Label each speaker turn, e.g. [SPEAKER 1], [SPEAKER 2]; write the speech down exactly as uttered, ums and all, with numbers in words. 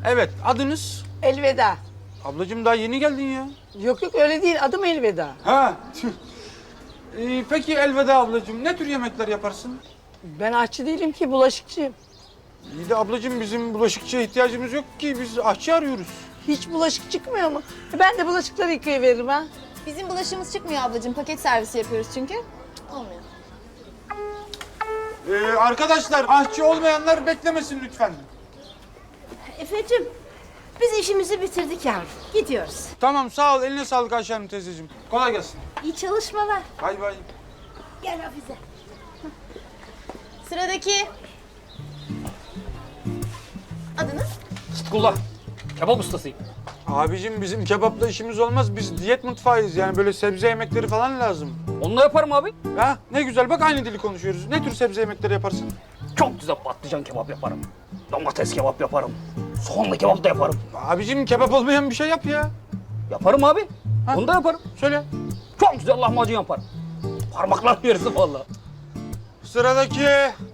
[SPEAKER 1] Evet, adınız?
[SPEAKER 2] Elveda.
[SPEAKER 1] Ablacığım daha yeni geldin ya.
[SPEAKER 2] Yok yok öyle değil. Adım Elveda.
[SPEAKER 1] Ha. tüh. Ee, peki Elveda ablacığım, ne tür yemekler yaparsın?
[SPEAKER 2] Ben aşçı değilim ki, bulaşıkçıyım.
[SPEAKER 1] İyi de ablacığım bizim bulaşıkçıya ihtiyacımız yok ki, biz aşçı arıyoruz.
[SPEAKER 2] Hiç bulaşık çıkmıyor mu? E, Ben de bulaşıkları yıkayıveririm ha.
[SPEAKER 3] Bizim bulaşığımız çıkmıyor ablacığım. Paket servisi yapıyoruz çünkü. Olmuyor.
[SPEAKER 1] Ee, arkadaşlar, aşçı olmayanlar beklemesin lütfen.
[SPEAKER 4] Efeciğim, biz işimizi bitirdik yavrum. Gidiyoruz.
[SPEAKER 1] Tamam, sağ ol. Eline sağlık Ayşe Hanım teyzeciğim. Kolay gelsin.
[SPEAKER 4] İyi çalışmalar.
[SPEAKER 1] Bay bay.
[SPEAKER 4] Gel Hafize.
[SPEAKER 3] Sıradaki. Adınız?
[SPEAKER 5] Sıtkullah. Kebap ustasıyım.
[SPEAKER 1] Abicim bizim kebapla işimiz olmaz. Biz diyet mutfağıyız. Yani böyle sebze yemekleri falan lazım.
[SPEAKER 5] Onu da yaparım abi.
[SPEAKER 1] Ha ne güzel, bak aynı dili konuşuyoruz. Ne tür sebze yemekleri yaparsın?
[SPEAKER 5] Çok güzel patlıcan kebap yaparım. Domates kebap yaparım. Soğanlı kebap da yaparım.
[SPEAKER 1] Abicim kebap olmayan bir şey yap ya.
[SPEAKER 5] Yaparım abi.
[SPEAKER 1] Ha?
[SPEAKER 5] Onu da yaparım.
[SPEAKER 1] Söyle.
[SPEAKER 5] Çok güzel lahmacun yaparım. Parmaklar yeriz vallahi.
[SPEAKER 1] Sıradaki.